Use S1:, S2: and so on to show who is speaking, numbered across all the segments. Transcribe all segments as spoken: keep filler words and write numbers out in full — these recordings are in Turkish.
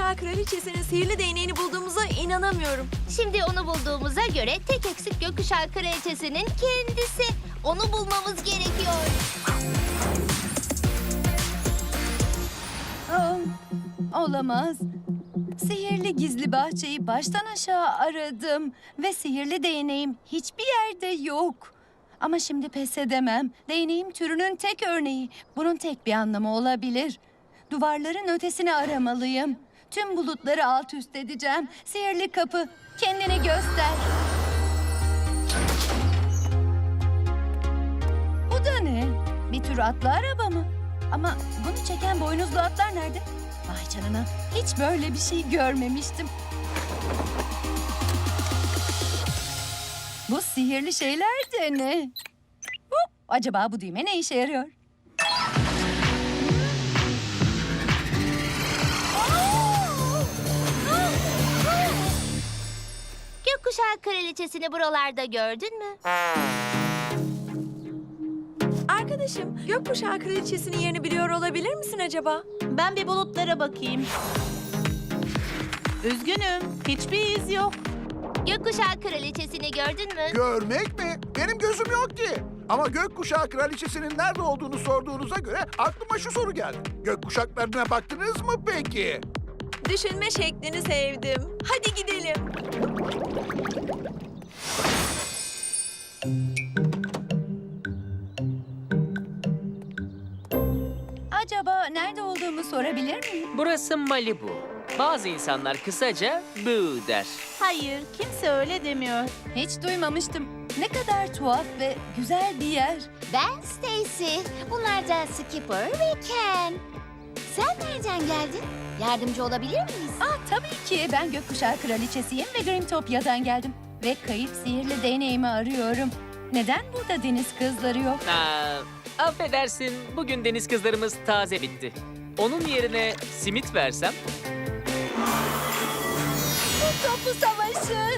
S1: Gökkuşağı Kraliçesi'nin sihirli değneğini bulduğumuza inanamıyorum.
S2: Şimdi onu bulduğumuza göre tek eksik Gökkuşağı Kraliçesi'nin kendisi. Onu bulmamız gerekiyor.
S3: Aa, olamaz. Sihirli gizli bahçeyi baştan aşağı aradım ve sihirli değneğim hiçbir yerde yok. Ama şimdi pes edemem. Değneğim türünün tek örneği. Bunun tek bir anlamı olabilir. Duvarların ötesini aramalıyım. Tüm bulutları alt üst edeceğim. Sihirli kapı, kendini göster. Bu da ne? Bir tür atlı araba mı? Ama bunu çeken boynuzlu atlar nerede? Vay canına, hiç böyle bir şey görmemiştim. Bu sihirli şeyler de ne? Hop, acaba bu düğme ne işe yarıyor?
S2: Gökkuşağı Kraliçesi'ni buralarda gördün mü?
S1: Arkadaşım, Gökkuşağı Kraliçesi'nin yerini biliyor olabilir misin acaba?
S4: Ben bir bulutlara bakayım. Üzgünüm, hiçbir iz yok.
S2: Gökkuşağı Kraliçesi'ni gördün mü?
S5: Görmek mi? Benim gözüm yok ki. Ama gökkuşağı kraliçesinin nerede olduğunu sorduğunuza göre aklıma şu soru geldi. Gökkuşaklarına baktınız mı peki?
S1: Düşünme şeklini sevdim. Hadi gidelim.
S3: Acaba nerede olduğumu sorabilir miyim?
S6: Burası Malibu. Bazı insanlar kısaca Boo der.
S4: Hayır, kimse öyle demiyor.
S3: Hiç duymamıştım. Ne kadar tuhaf ve güzel bir yer.
S2: Ben Stacy. Bunlar da Skipper ve Ken. Sen nereden geldin? Yardımcı olabilir miyiz?
S3: Ah tabii ki. Ben Gökkuşağı Kraliçesiyim ve Grimtopya'dan geldim. Ve kayıp sihirli değneğimi arıyorum. Neden burada deniz kızları yok?
S6: Aa, affedersin, bugün deniz kızlarımız taze bitti. Onun yerine simit versem?
S3: Topu savaşı.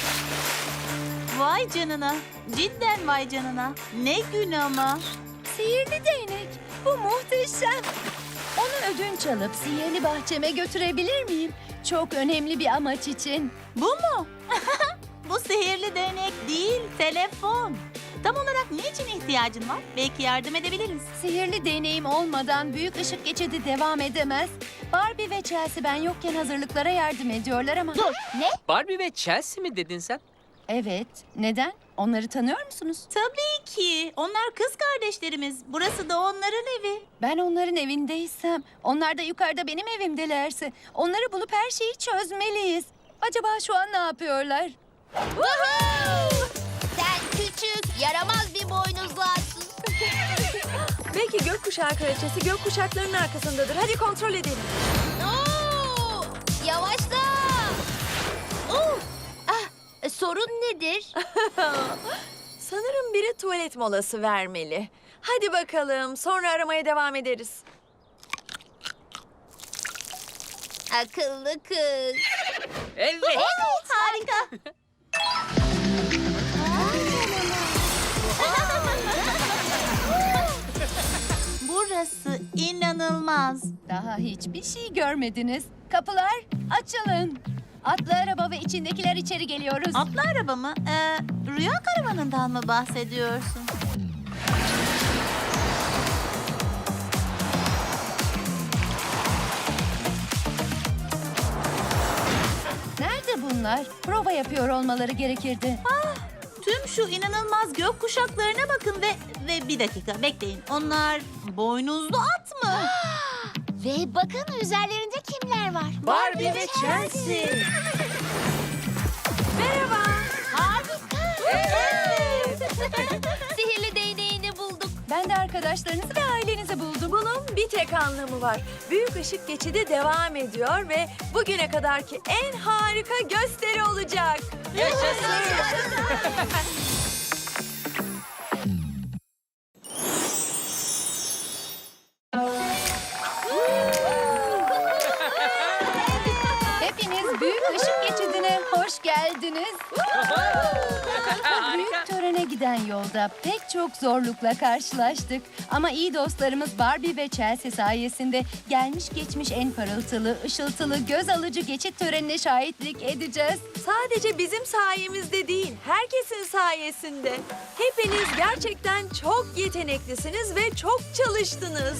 S4: Vay canına, cidden vay canına. Ne gün ama.
S3: Sihirli değnek. Bu muhteşem. Onu ödünç alıp sihirli bahçeme götürebilir miyim? Çok önemli bir amaç için.
S4: Bu mu? Bu sihirli değnek değil, telefon. Tam olarak niçin ihtiyacın var? Belki yardım edebiliriz.
S3: Sihirli değneğim olmadan büyük ışık geçidi devam edemez. Barbie ve Chelsea ben yokken hazırlıklara yardım ediyorlar ama...
S2: Dur, ne?
S6: Barbie ve Chelsea mi dedin sen?
S3: Evet, neden? Onları tanıyor musunuz?
S4: Tabii ki. Onlar kız kardeşlerimiz. Burası da onların evi.
S3: Ben onların evindeysem, onlar da yukarıda benim evimdelerse... ...onları bulup her şeyi çözmeliyiz. Acaba şu an ne yapıyorlar?
S2: Sen küçük, yaramaz bir boynuzlu atsın.
S1: Belki Gökkuşağı Kraliçesi gökkuşaklarının arkasındadır. Hadi kontrol edelim.
S2: Oo, yavaşla. Oo, ah, e, sorun nedir?
S1: Sanırım biri tuvalet molası vermeli. Hadi bakalım, sonra aramaya devam ederiz.
S2: Akıllı kız.
S6: Evet.
S2: Evet, harika.
S4: Burası inanılmaz.
S3: Daha hiçbir şey görmediniz. Kapılar açılın. Atlı araba ve içindekiler içeri geliyoruz.
S4: Atlı araba mı? Ee, rüya karavanından mı bahsediyorsun?
S3: Nerede bunlar? Prova yapıyor olmaları gerekirdi.
S4: Tüm şu inanılmaz gök kuşaklarına bakın ve ve bir dakika bekleyin. Onlar boynuzlu at mı?
S2: Ve bakın üzerlerinde kimler var?
S6: Barbie ve Chelsea.
S1: Merhaba.
S2: Harika. Sihirli değneğini bulduk.
S3: Ben de arkadaşlarınızı ve ailenizi buldum.
S1: Bunun bir tek anlamı var. Büyük ışık geçidi devam ediyor ve bugüne kadarki en harika gösteri olacak.
S3: Hepiniz büyük ışık geçidine hoş geldiniz. Bu büyük törene giden yolda pek çok zorlukla karşılaştık. Ama iyi dostlarımız Barbie ve Chelsea sayesinde gelmiş geçmiş en parıltılı, ışıltılı, göz alıcı geçit törenine şahitlik edeceğiz.
S1: Sadece bizim sayemizde değil, herkesin sayesinde. Hepiniz gerçekten çok yeteneklisiniz ve çok çalıştınız.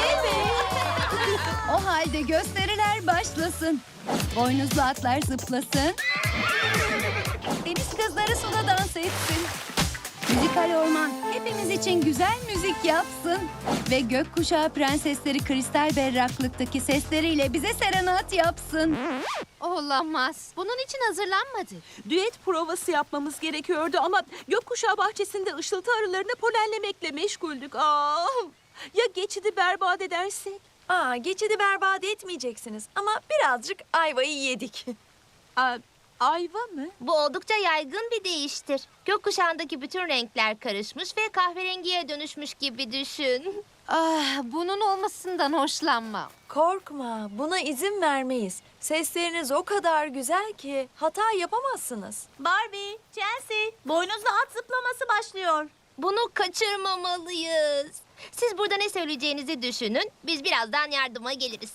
S3: O halde gösteriler başlasın. Boynuzlu atlar zıplasın. Deniz kızları suda dans etsin. Müzikal orman hepimiz için güzel müzik yapsın. Ve gökkuşağı prensesleri kristal berraklıktaki sesleriyle bize serenat yapsın.
S2: Olamaz. Bunun için hazırlanmadı.
S7: Düet provası yapmamız gerekiyordu ama gökkuşağı bahçesinde ışıltı arılarını polenlemekle meşguldük. Aa, ya geçidi berbat edersek?
S1: Aa, geçidi berbat etmeyeceksiniz ama birazcık ayvayı yedik.
S7: Aa, ayva mı?
S2: Bu oldukça yaygın bir deyiştir. Gökkuşağındaki bütün renkler karışmış ve kahverengiye dönüşmüş gibi düşün. Ah, bunun olmasından hoşlanmam.
S1: Korkma, buna izin vermeyiz. Sesleriniz o kadar güzel ki hata yapamazsınız.
S4: Barbie, Chelsea, boynuzlu at zıplaması başlıyor.
S2: Bunu kaçırmamalıyız. Siz burada ne söyleyeceğinizi düşünün. Biz birazdan yardıma geliriz.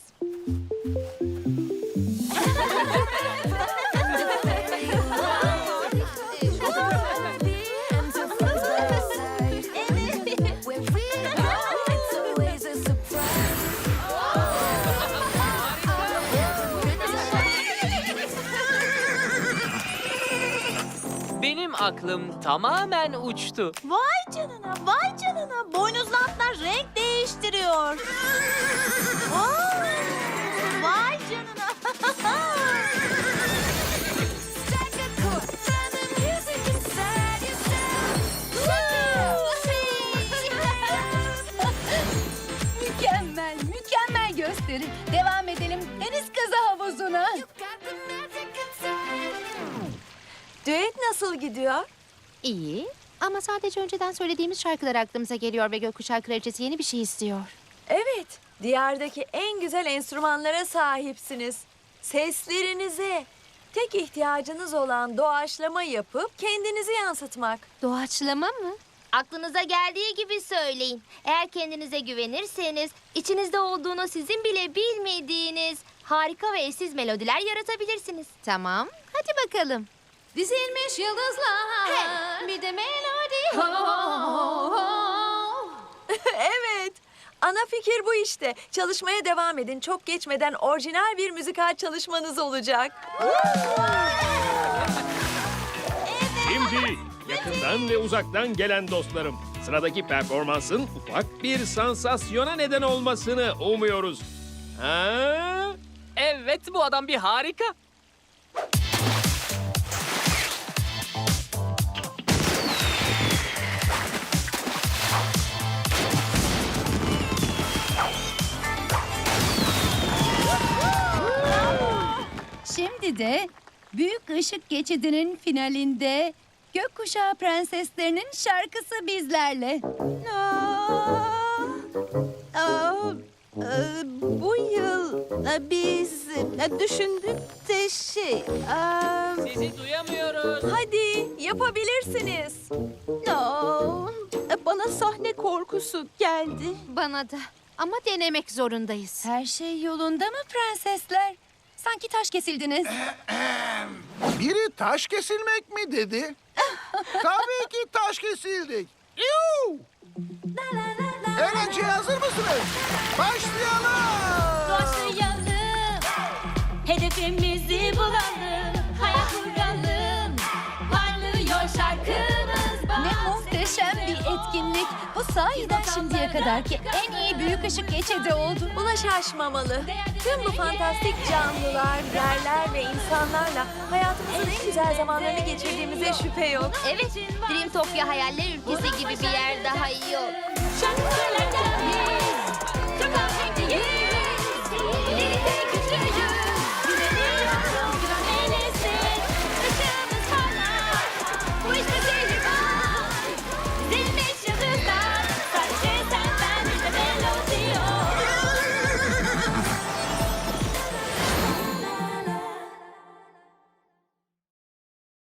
S6: Benim aklım tamamen uçtu.
S4: Vay canına, vay canına. Boynuzlu atlar renk değiştiriyor. Aa, vay canına.
S3: Mükemmel, mükemmel gösteri. Devam edelim deniz kızı havuzuna.
S1: Düet nasıl gidiyor?
S2: İyi ama sadece önceden söylediğimiz şarkılar aklımıza geliyor ve Gökkuşağı Kraliçesi yeni bir şey istiyor.
S1: Evet, diyardaki en güzel enstrümanlara sahipsiniz. Seslerinize. Tek ihtiyacınız olan doğaçlama yapıp kendinizi yansıtmak.
S2: Doğaçlama mı? Aklınıza geldiği gibi söyleyin. Eğer kendinize güvenirseniz içinizde olduğunu sizin bile bilmediğiniz harika ve eşsiz melodiler yaratabilirsiniz. Tamam, hadi bakalım. Dizilmiş yıldızlar, bir de melodi.
S1: Evet, ana fikir bu işte. Çalışmaya devam edin. Çok geçmeden orijinal bir müzikal çalışmanız olacak.
S8: Şimdi yakından ve uzaktan gelen dostlarım, sıradaki performansın ufak bir sansasyona neden olmasını umuyoruz. Ha?
S6: Evet, bu adam bir harika.
S3: Şimdi de Büyük Işık Geçidi'nin finalinde Gökkuşağı Prenseslerinin şarkısı bizlerle.
S7: Aa, aa, e, bu yıl e, biz e, düşündük de şey... aa,
S6: Sizi duyamıyoruz.
S1: Hadi, yapabilirsiniz.
S7: aa, e, bana sahne korkusu geldi.
S2: Bana da. Ama denemek zorundayız.
S3: Her şey yolunda mı prensesler? Sanki taş kesildiniz.
S5: Biri taş kesilmek mi dedi? Tabii ki taş kesildik. Yuh! Eğlenceye hazır mısınız? Başlayalım.
S4: Başlayalım, hedefimizi bulalım, hayal kuralım, parlıyor şarkımız.
S3: Ne muhteşem bir etkinlik. Bu sahiden şimdiye kadarki en iyi Büyük Işık Geçidi oldu.
S1: Buna şaşmamalı. Tüm bu fantastik canlılar, yerler ve insanlarla hayatımızın en güzel zamanlarını geçirdiğimize şüphe yok.
S2: Evet, Dreamtopia hayaller ülkesi gibi bir yer daha iyi olur.
S4: Şarkılarla biz çok ahenkliyiz, birlikte güçlüyüz.